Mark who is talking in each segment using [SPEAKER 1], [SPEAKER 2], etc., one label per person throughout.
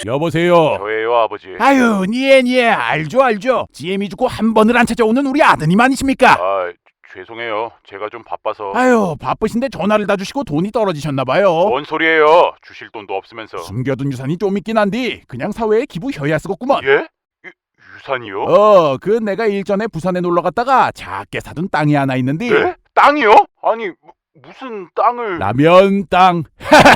[SPEAKER 1] 여보세요.
[SPEAKER 2] 저예요, 아버지.
[SPEAKER 1] 아유, 니에 알죠. GM이 죽고 한 번을 안 찾아오는 우리 아드님 아니십니까?
[SPEAKER 2] 죄송해요. 제가 좀 바빠서.
[SPEAKER 1] 아유, 바쁘신데 전화를 다 주시고 돈이 떨어지셨나봐요.
[SPEAKER 2] 뭔 소리예요? 주실 돈도 없으면서.
[SPEAKER 1] 숨겨둔 유산이 좀 있긴 한디 그냥 사회에 기부해야 쓰겠구먼.
[SPEAKER 2] 예? 유산이요?
[SPEAKER 1] 그 내가 일전에 부산에 놀러 갔다가 작게 사둔 땅이 하나 있는데.
[SPEAKER 2] 네? 땅이요? 아니 무슨 땅을?
[SPEAKER 1] 라면 땅.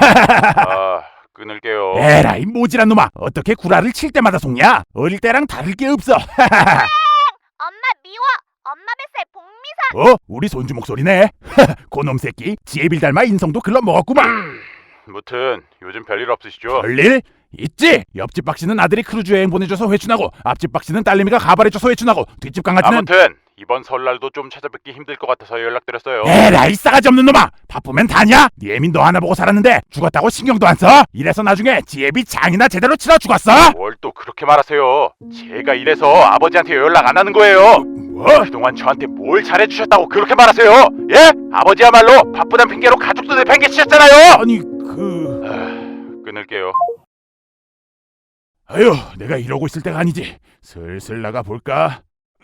[SPEAKER 2] 끊을게요.
[SPEAKER 1] 에라이 모질한 놈아, 어떻게 구라를 칠 때마다 속냐? 어릴 때랑 다를 게 없어.
[SPEAKER 3] 엄마 미워. 엄마 뱃살 복미선.
[SPEAKER 1] 우리 손주 목소리네. 고놈 새끼, 지혜빌 닮아 인성도 글러 먹었구만.
[SPEAKER 2] 무튼 요즘 별일 없으시죠?
[SPEAKER 1] 별일? 있지. 옆집 박씨는 아들이 크루즈 여행 보내줘서 회춘하고, 앞집 박씨는 딸내미가 가발해줘서 회춘하고, 뒷집 강아지는.
[SPEAKER 2] 아무튼 이번 설날도 좀 찾아뵙기 힘들 것 같아서 연락드렸어요.
[SPEAKER 1] 에라이 싸가지 없는 놈아, 바쁘면 다냐? 네 애민 너 하나 보고 살았는데 죽었다고 신경도 안 써? 이래서 나중에 지혜비 장이나 제대로 치러 죽었어?
[SPEAKER 2] 뭘 또 그렇게 말하세요? 제가 이래서 아버지한테 연락 안 하는 거예요.
[SPEAKER 1] 뭐?
[SPEAKER 2] 그동안 저한테 뭘 잘해주셨다고 그렇게 말하세요? 예? 아버지야말로 바쁘단 핑계로 가족도 내팽개치셨잖아요.
[SPEAKER 1] 아니
[SPEAKER 2] 끊을게요.
[SPEAKER 1] 아유, 내가 이러고 있을 때가 아니지. 슬슬 나가 볼까?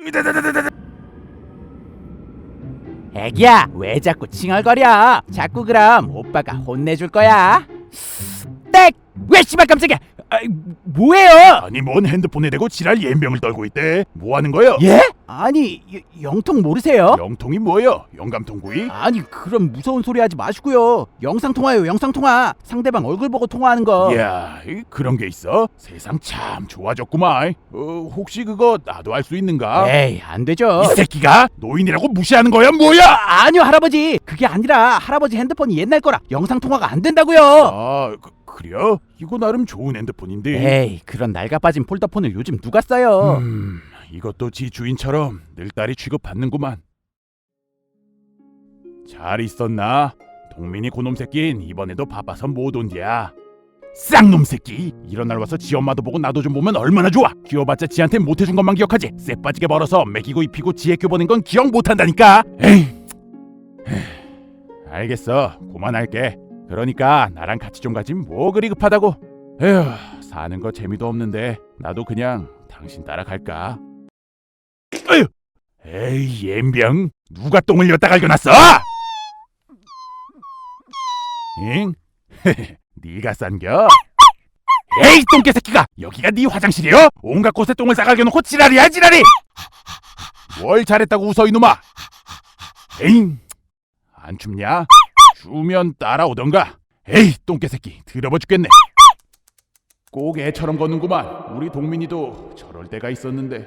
[SPEAKER 4] 애기야, 왜 자꾸 칭얼거려? 자꾸 그럼 오빠가 혼내줄 거야. 땡! 왜 씨발 깜짝이야! 뭐예요?
[SPEAKER 1] 아니 뭔 핸드폰에 대고 지랄 연병을 떨고 있대. 뭐 하는 거요?
[SPEAKER 4] 예? 아니 영통 모르세요?
[SPEAKER 1] 영통이 뭐요? 영감통구이?
[SPEAKER 4] 아니 그럼 무서운 소리 하지 마시고요. 영상통화요, 영상통화. 상대방 얼굴 보고 통화하는 거.
[SPEAKER 1] 이야, 그런 게 있어? 세상 참 좋아졌구만. 혹시 그거 나도 할 수 있는가?
[SPEAKER 4] 에이, 안 되죠.
[SPEAKER 1] 이 새끼가 노인이라고 무시하는 거야 뭐야?
[SPEAKER 4] 아니요 할아버지, 그게 아니라 할아버지 핸드폰이 옛날 거라 영상통화가 안 된다고요.
[SPEAKER 1] 그래요? 이거 나름 좋은 핸드폰인데.
[SPEAKER 4] 에이, 그런 낡아빠진 폴더폰을 요즘 누가 써요?
[SPEAKER 1] 이것도 지 주인처럼 늘딸이 취급받는구만. 잘 있었나? 동민이 고놈 새끼는 이번에도 바빠서 못 온디야. 쌍놈 새끼, 이런 날 와서 지 엄마도 보고 나도 좀 보면 얼마나 좋아. 키워봤자 지한테 못해준 것만 기억하지. 쎄 빠지게 벌어서 먹이고 입히고 지 애교 보낸 건 기억 못한다니까. 알겠어, 그만할게. 그러니까 나랑 같이 좀 가지 뭐 그리 급하다고. 에휴, 사는 거 재미도 없는데 나도 그냥 당신 따라갈까? 에휴, 에이 옌병, 누가 똥을 여기다 갈겨놨어? 응? 네가 싼겨? 에이 똥개새끼가, 여기가 네 화장실이여? 온갖 곳에 똥을 싸갈겨놓고 지랄이야 지랄이. 뭘 잘했다고 웃어 이놈아. 에잉, 안 춥냐? 추우면 따라오던가. 에이 똥개새끼, 더러워 죽겠네. 꼭 애처럼 걷는구만. 우리 동민이도 저럴 때가 있었는데.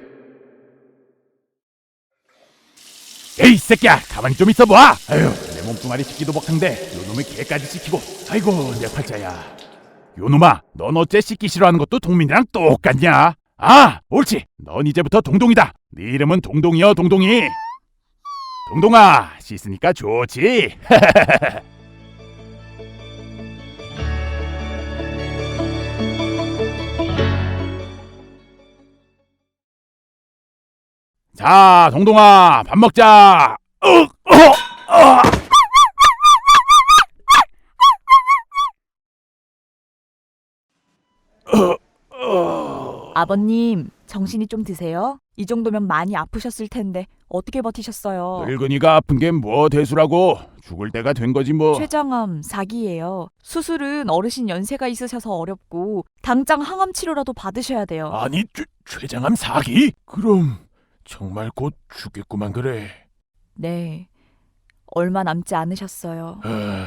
[SPEAKER 1] 에이 새끼야, 가만히 좀 있어봐. 아유, 내 몸뚱아리 씻기도 벅찬데 요놈의 개까지 씻기고. 아이고 내 팔자야. 요놈아, 넌 어째 씻기 싫어하는 것도 동민이랑 똑같냐? 옳지, 넌 이제부터 동동이다. 네 이름은 동동이여 동동이. 동동아, 씻으니까 좋지. 자, 동동아, 밥 먹자.
[SPEAKER 5] 아버님, 정신이 좀 드세요? 이 정도면 많이 아프셨을 텐데 어떻게 버티셨어요?
[SPEAKER 1] 늙은이가 아픈 게 뭐 대수라고. 죽을 때가 된 거지 뭐.
[SPEAKER 5] 췌장암 4기예요. 수술은 어르신 연세가 있으셔서 어렵고 당장 항암 치료라도 받으셔야 돼요.
[SPEAKER 1] 아니, 췌장암 4기? 그럼 정말 곧 죽겠구만 그래.
[SPEAKER 5] 네, 얼마 남지 않으셨어요.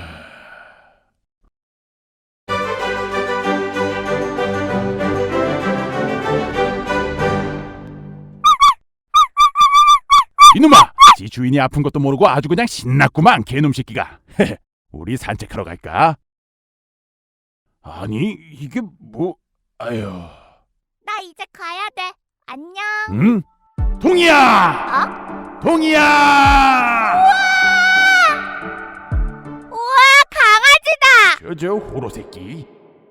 [SPEAKER 1] 이놈아, 지 주인이 아픈 것도 모르고 아주 그냥 신났구만 개놈 새끼가. 우리 산책하러 갈까? 아니 이게 뭐. 아유.
[SPEAKER 3] 나 이제 가야 돼. 안녕.
[SPEAKER 1] 응? 동이야! 동이야!
[SPEAKER 3] 우와, 강아지다.
[SPEAKER 1] 저 호로 새끼.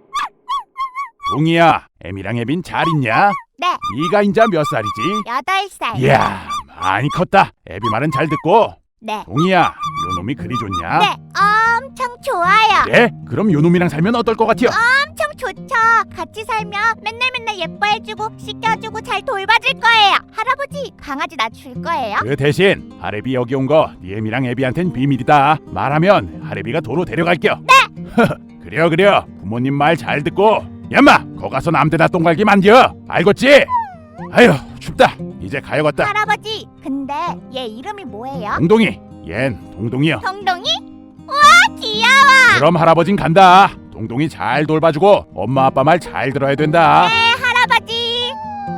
[SPEAKER 1] 동이야, 애미랑 애빈 잘 있냐?
[SPEAKER 3] 네,
[SPEAKER 1] 네가 인자 몇 살이지?
[SPEAKER 3] 8살.
[SPEAKER 1] 이야, 많이 컸다. 애비 말은 잘 듣고.
[SPEAKER 3] 네.
[SPEAKER 1] 동이야, 요놈이 그리 좋냐?
[SPEAKER 3] 네, 엄청 좋아요.
[SPEAKER 1] 그래? 그럼 요놈이랑 살면 어떨 것 같아요?
[SPEAKER 3] 엄청 좋죠. 같이 살면 맨날 예뻐해주고 씻겨주고 잘 돌봐줄 거예요. 할아버지, 강아지 나 줄 거예요?
[SPEAKER 1] 그 대신 하레비 여기 온 거 니엠이랑 애비한텐 비밀이다. 말하면 하레비가 도로 데려갈게요. 네. 그래요. 부모님 말 잘 듣고. 야마, 거 가서 남대나 똥갈기 만져. 알겠지? 아휴, 춥다. 이제 가야겠다.
[SPEAKER 3] 할아버지, 근데 얘 이름이 뭐예요?
[SPEAKER 1] 동동이, 얜 동동이요.
[SPEAKER 3] 동동이? 우와, 귀여워.
[SPEAKER 1] 그럼 할아버진 간다. 동동이 잘 돌봐주고 엄마 아빠 말 잘 들어야 된다.
[SPEAKER 3] 네, 할아버지.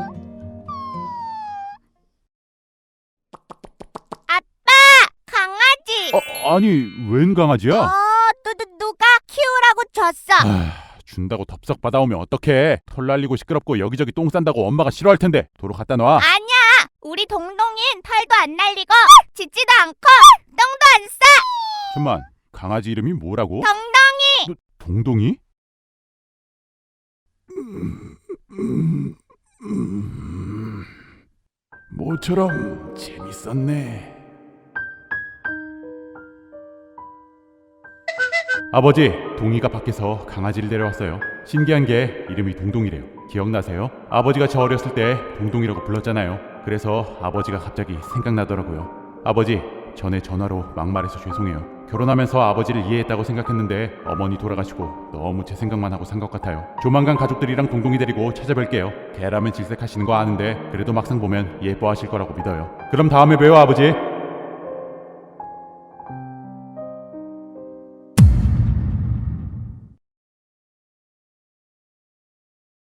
[SPEAKER 3] 아빠, 강아지.
[SPEAKER 1] 아니, 웬 강아지야?
[SPEAKER 3] 누가 키우라고 줬어.
[SPEAKER 1] 준다고 덥석 받아오면 어떡해. 털 날리고 시끄럽고 여기저기 똥 싼다고 엄마가 싫어할 텐데. 도로 갖다 놔.
[SPEAKER 3] 아니야, 우리 동동인 털도 안 날리고 짖지도 않고 똥도 안 싸.
[SPEAKER 1] 잠만, 강아지 이름이 뭐라고?
[SPEAKER 3] 동동이.
[SPEAKER 1] 동동이? 모처럼 재밌었네. 아버지, 동이가 밖에서 강아지를 데려왔어요. 신기한 게 이름이 동동이래요. 기억나세요? 아버지가 저 어렸을 때 동동이라고 불렀잖아요. 그래서 아버지가 갑자기 생각나더라고요. 아버지, 전에 전화로 막말해서 죄송해요. 결혼하면서 아버지를 이해했다고 생각했는데 어머니 돌아가시고 너무 제 생각만 하고 산 것 같아요. 조만간 가족들이랑 동동이 데리고 찾아뵐게요. 개라면 질색하시는 거 아는데 그래도 막상 보면 예뻐하실 거라고 믿어요. 그럼 다음에 봬요, 아버지.